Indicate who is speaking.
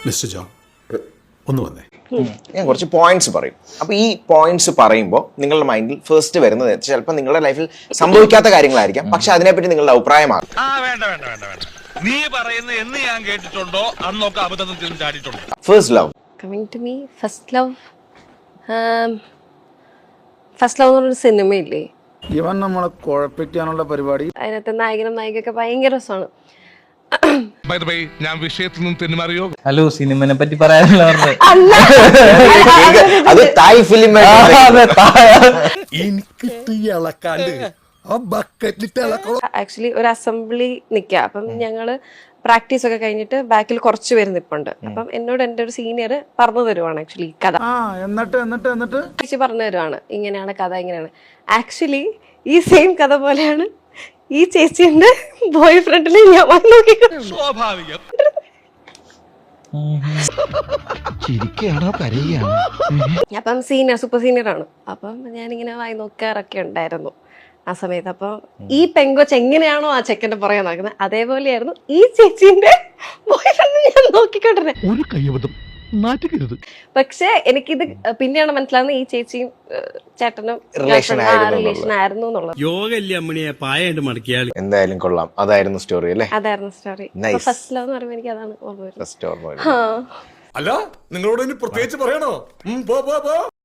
Speaker 1: Mister John ഒന്ന് വന്നേ.
Speaker 2: ഞാൻ കുറച്ച് പോയിന്റ്സ് പറയും. അപ്പൊ ഈ പോയിന്റ്സ് പറയുമ്പോൾ നിങ്ങളുടെ മൈൻഡിൽ ഫസ്റ്റ് വരുന്നത് ചിലപ്പോൾ നിങ്ങളുടെ ലൈഫിൽ സംഭവിക്കാത്ത കാര്യങ്ങളായിരിക്കാം, പക്ഷെ അതിനെപ്പറ്റി നിങ്ങളുടെ അഭിപ്രായമാകും.
Speaker 3: നീ പറയുന്ന എന്ന് ഞാൻ കേട്ടിട്ടുണ്ടോ അന്നൊക്കെ അബദ്ധത്തിൽ ചാടിയിട്ടുണ്ടോ?
Speaker 2: First love.
Speaker 4: Coming to me, first love എന്ന് പറഞ്ഞൊരു സിനിമയില്ലേ,
Speaker 5: ഇവൻ നമ്മളെ കുഴപ്പിക്കാനുള്ള പരിപാടി.
Speaker 4: അതിനകത്ത് നായകനും നായികയൊക്കെ ഭയങ്കര രസമാണ്.
Speaker 3: ഞാൻ വിഷയത്തിൽ നിന്ന് തെന്നുമാറിയോ?
Speaker 6: ഹലോ, സിനിമനെ പറ്റി പറയാനല്ല പറഞ്ഞത്.
Speaker 2: അത് തായ് ഫിലിം.
Speaker 4: ആക്ച്വലി ഒരു അസംബ്ലി നിൽക്കുക. അപ്പം ഞങ്ങള് പ്രാക്ടീസ് ഒക്കെ കഴിഞ്ഞിട്ട് ബാക്കിൽ കുറച്ച് പേര് നിൽപ്പുണ്ട്. അപ്പം എന്നോട് എൻ്റെ ഒരു സീനിയർ പറഞ്ഞു തരുവാണ് ആക്ച്വലി കഥ.
Speaker 5: എന്നിട്ട്
Speaker 4: ചേച്ചി പറഞ്ഞു തരുവാണ്, ഇങ്ങനെയാണ് കഥ, ഇങ്ങനെയാണ്. ആക്ച്വലി ഈ സെയിം കഥ പോലെയാണ് ഈ ചേച്ചിന്റെ ബോയ് ഫ്രണ്ടിൽ ഞാൻ വന്ന് നോക്കിക്കോ.
Speaker 3: സ്വാഭാവികം.
Speaker 4: അപ്പം സൂപ്പർ സീനിയർ ആണ്. അപ്പം ഞാനിങ്ങനെ വായി നോക്കാറൊക്കെ ഉണ്ടായിരുന്നു ആ സമയത്ത്. അപ്പൊ ഈ പെങ്കൊച്ച് എങ്ങനെയാണോ ആ ചെക്കൻ്റെ പുറകെ നടക്കുന്നത്, അതേപോലെയായിരുന്നു ഈ ചേച്ചിന്റെ ബോയ് ഫ്രണ്ട് ഞാൻ നോക്കിക്കൊണ്ടിരുന്നത്.
Speaker 3: ഒരു കയ്യബദ്ധം നാറ്റുകരുത്.
Speaker 4: പക്ഷെ എനിക്കിത് പിന്നെയാണ് മനസ്സിലാവുന്നത് ഈ ചേച്ചിയും ചേട്ടനും റിലേഷൻ ആയിരുന്നു എന്നുള്ളത്.
Speaker 2: എന്തായാലും കൊള്ളാം. അതായിരുന്നു സ്റ്റോറി അല്ലേ?
Speaker 4: അതായിരുന്നു സ്റ്റോറി. ഫസ്റ്റ് ലവ് എന്ന് പറയുമ്പോൾ എനിക്ക് അതാണ് ഓർമ്മ വരുന്നത്.
Speaker 2: ഫസ്റ്റ് ഓർമ്മ.
Speaker 1: അല്ല, നിങ്ങളോട് ഇനി പ്രത്യേകിച്ച് പറയണോ?